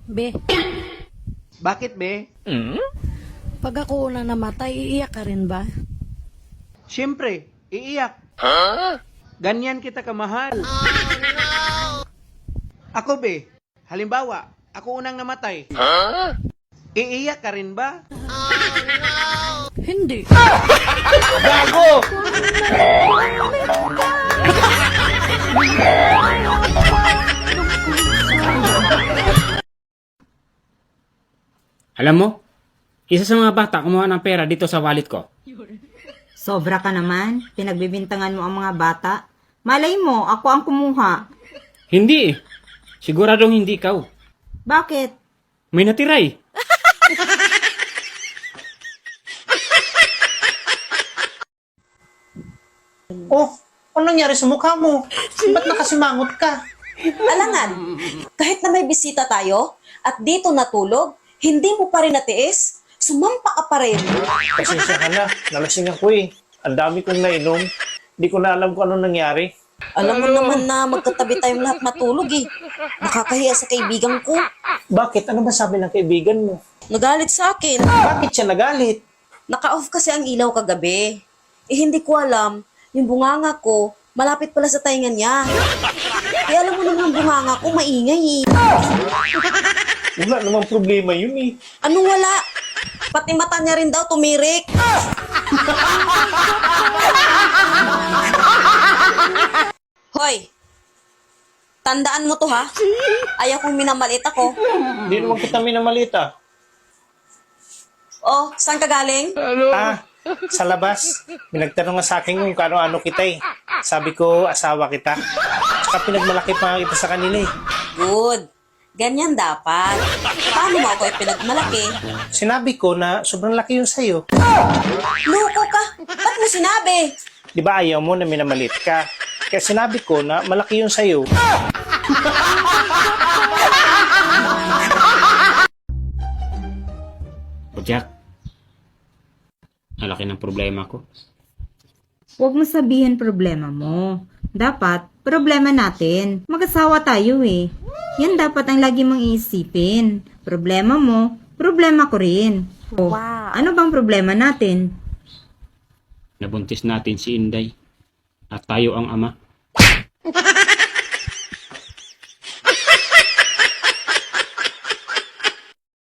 Be, Bakit, be? pag ako una namatay, iiyak ka rin ba? Siyempre, iiyak. Ganyan kita kamahal. Ako, be, halimbawa, ako unang namatay. Iiyak ka rin ba? Hindi. Gago! Alam mo, isa sa mga bata kumuha ng pera dito sa wallet ko. Sobra ka naman. Pinagbibintangan mo ang mga bata. Malay mo, ako ang kumuha. Hindi eh. Siguradong hindi ikaw. Bakit? May natira eh. Oh, ano nangyari sa mukha mo? Ba't nakasimangot ka? Alangan, kahit na may bisita tayo at dito natulog, hindi mo pa rin natiis, sumampa ka pa rin. Pasensya ka na, nalasing ako eh. Ang dami kong nainom. Hindi ko na alam kung ano nangyari. Alam mo naman na magkatabi tayong lahat matulog eh. Nakakahiya sa kaibigan ko. Bakit? Ano ba sabi ng kaibigan mo? Nagalit sa akin. Bakit siya nagalit? Naka-off kasi ang ilaw kagabi. Eh hindi ko alam, yung bunganga ko, malapit pala sa tainga niya. Eh alam mo naman ang bunganga ko, maingay eh. Wala namang problema yun eh. Anong wala? Pati mata niya rin daw tumirik. Hoy! Tandaan mo to ha. Ayaw kong minamalit ako. Hindi naman kita minamalita. Oh, saan ka galing? Ah, sa labas. Pinagtanong nga sa akin kung kano-ano kita eh. Sabi ko, asawa kita. Tsaka pinagmalaki pa nga kita sa kanila eh. Good. Ganyan dapat. Paano mo ako ipinagmalaki? Sinabi ko na sobrang laki yun sa'yo. Loko ka! Ba't mo sinabi? Di ba ayaw mo na minamalit ka? Kaya sinabi ko na malaki yun sa'yo. O Jack, ang laki ng problema ko. Huwag mo sabihin problema mo. Dapat, problema natin. Mag-asawa tayo eh. Yan dapat ang lagi mong iisipin. Problema mo, problema ko rin. Oh, ano bang problema natin? Nabuntis natin si Inday. At tayo ang ama.